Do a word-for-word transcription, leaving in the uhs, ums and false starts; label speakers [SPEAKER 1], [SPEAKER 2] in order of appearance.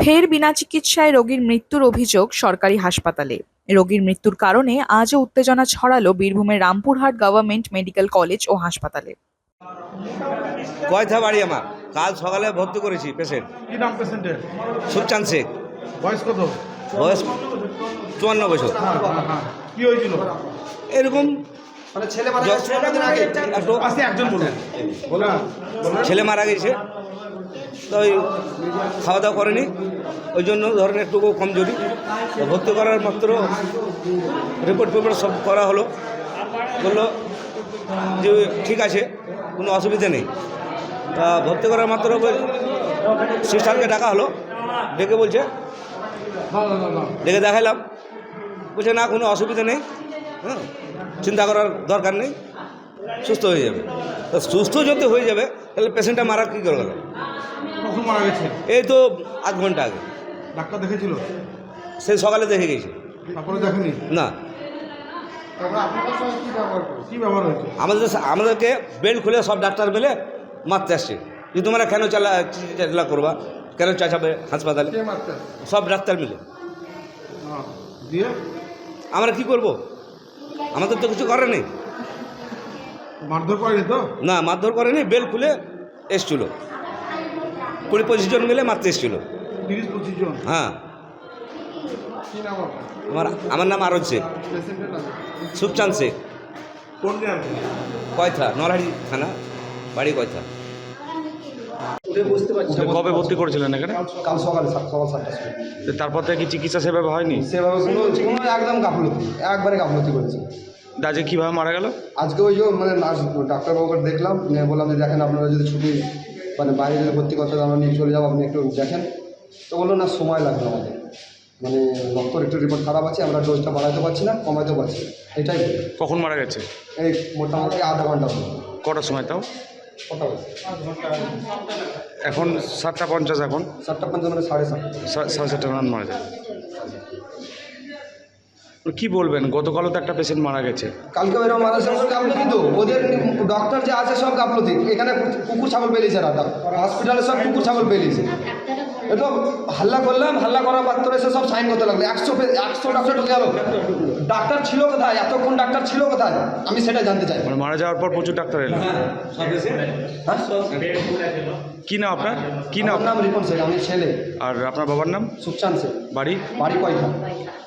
[SPEAKER 1] ফের বিনা চিকিৎসায় রোগীর মৃত্যুর অভিযোগ সরকারি হাসপাতালে। রোগীর মৃত্যুর কারণে আজও উত্তেজনা ছড়ালো বীরভূমের রামপুরহাট গভর্নমেন্ট মেডিকেল কলেজ ও হাসপাতালে।
[SPEAKER 2] কয়থা বাড়ি আমার, কাল সকালে ভর্তি করেছি পেশেন্ট।
[SPEAKER 3] কি নাম পেশেন্টের?
[SPEAKER 2] সুখচাঁদ শেখ।
[SPEAKER 3] বয়স কত?
[SPEAKER 2] বয়স চুয়ান্ন বছর।
[SPEAKER 3] হ্যাঁ হ্যাঁ হ্যাঁ কি হয়েছিল?
[SPEAKER 2] এরকম
[SPEAKER 4] মানে ছেলে মারা গেছে কতদিন আগে?
[SPEAKER 2] একটু
[SPEAKER 3] আসতে একজন বলুন। বলুন
[SPEAKER 2] ছেলে মারা গেছে, তো ওই খাওয়া দাওয়া করেনি, ওই জন্য ধরেন একটু কমজোরি। তো ভর্তি করার মাত্র রিপোর্ট পেপার সব করা হলো, বললো যে ঠিক আছে, কোনো অসুবিধা নেই। তা ভর্তি করার মাত্র সিস্টারকে ডাকা হলো, ডেকে বলছে, ডেকে দেখাইলাম, বলছে না কোনো অসুবিধা নেই, হ্যাঁ চিন্তা করার দরকার নেই, সুস্থ হয়ে যাবে। তো সুস্থ যদি হয়ে যাবে তাহলে পেশেন্টটা মারা কী করে গেল?
[SPEAKER 3] কখন মারা গেছে?
[SPEAKER 2] এই তো আধ ঘন্টা আগে।
[SPEAKER 3] ডাক্তার দেখেছিল?
[SPEAKER 2] সে সকালে দেখে গেছে।
[SPEAKER 3] তারপরে দেখেনি?
[SPEAKER 2] না,
[SPEAKER 3] কি ব্যবহার হয়েছে?
[SPEAKER 2] আমাদের আমাদেরকে বেল্ট খুলে সব ডাক্তার মিলে মারতে আসছে যে তোমরা কেন চালা চালা করবা, কেন চাচাবে হাসপাতালে,
[SPEAKER 3] কে মারতে?
[SPEAKER 2] সব ডাক্তার মিলে।
[SPEAKER 3] হ্যাঁ, দিয়ে
[SPEAKER 2] আমরা কি করব? আমাদের তো কিছু করার নেই।
[SPEAKER 3] মারধর করেনি তো?
[SPEAKER 2] না, মারধর করেনি, বেল্ট খুলে এসছিল, কুড়ি পঁচিশ জন মিলে মারতে এসছিল।
[SPEAKER 3] তিরিশ পঁচিশ জন?
[SPEAKER 2] হ্যাঁ।
[SPEAKER 3] কি নাম আপনার?
[SPEAKER 2] আমার আমার নাম আরজ শেখ,
[SPEAKER 3] পেশেন্টের নাম?
[SPEAKER 2] সুখচাঁদ শেখ।
[SPEAKER 3] কোন গ্রাম?
[SPEAKER 2] কয়থা, নরহাটি থানা, বাড়ি কয়থা।
[SPEAKER 5] কবে ভর্তি করেছিলেন এখানে?
[SPEAKER 4] কাল সকালে সাত সকাল সাতটার সময়।
[SPEAKER 5] তো তারপর থেকে কি চিকিৎসা সেভাবে হয়নি?
[SPEAKER 4] সেভাবে কোনো কোনো একদম গাফলতি, একবারে গাফলতি করেছে।
[SPEAKER 5] আজকে কীভাবে মারা গেল?
[SPEAKER 4] আজকে ওই যে মানে নার্স ডাক্তারবাবুকে দেখলাম, নিয়ে বললাম যে দেখেন আপনারা যদি ছুটি মানে বাইরে যদি ভর্তি করতে আমরা নিয়ে চলে যাবো, আপনি একটু দেখেন। তো বললো না সময় লাগবে আমাদের, মানে রক্তর একটু রিপোর্ট খারাপ আছে, আমরা ডোজটা বাড়াতে পারছি না, কমাতেও পারছি না, এটাই।
[SPEAKER 5] কখন মারা গেছে?
[SPEAKER 4] এই মোটামুটি আধা ঘন্টা হলো।
[SPEAKER 5] কটার সময় তাও?
[SPEAKER 4] কটা বাজে?
[SPEAKER 5] এখন সাতটা পঞ্চাশ, এখন
[SPEAKER 4] সাতটা পঞ্চাশ মানে সাড়ে সাতটা।
[SPEAKER 5] সা- সাড়ে সাতটা নাগাদ মারা যায়। কী বলবেন, গতকালও তো একটা পেশেন্ট মারা গেছে।
[SPEAKER 4] কালকে এরকম মারা যাচ্ছে গাফলতি, তো ওদের ডক্টর যে আছে সব গাফলতি। এখানে কুকুর ছাগল পেলিয়েছে, রাতা হসপিটালে সব কুকুর ছাগল পেলিয়েছে। এটা হাল্লা করলাম, হাল্লা করার মাত্র এসে সব সাইন করতে লাগলো। একশো একশো ডাক্তার ঢুকে গেল। ডাক্তার ছিল কোথায়? এতক্ষণ ডাক্তার ছিল কোথায়? আমি সেটা জানতে চাই।
[SPEAKER 5] মানে মারা যাওয়ার পর প্রচুর ডাক্তার এলো।
[SPEAKER 4] হ্যাঁ,
[SPEAKER 5] কী নাম আপনার? কী নাম?
[SPEAKER 4] আমার নাম রিপন শেখ, আমি ছেলে।
[SPEAKER 5] আর আপনার বাবার নাম?
[SPEAKER 4] সুখচাঁদ শেখ।
[SPEAKER 5] বাড়ি?
[SPEAKER 4] বাড়ি কয়টা?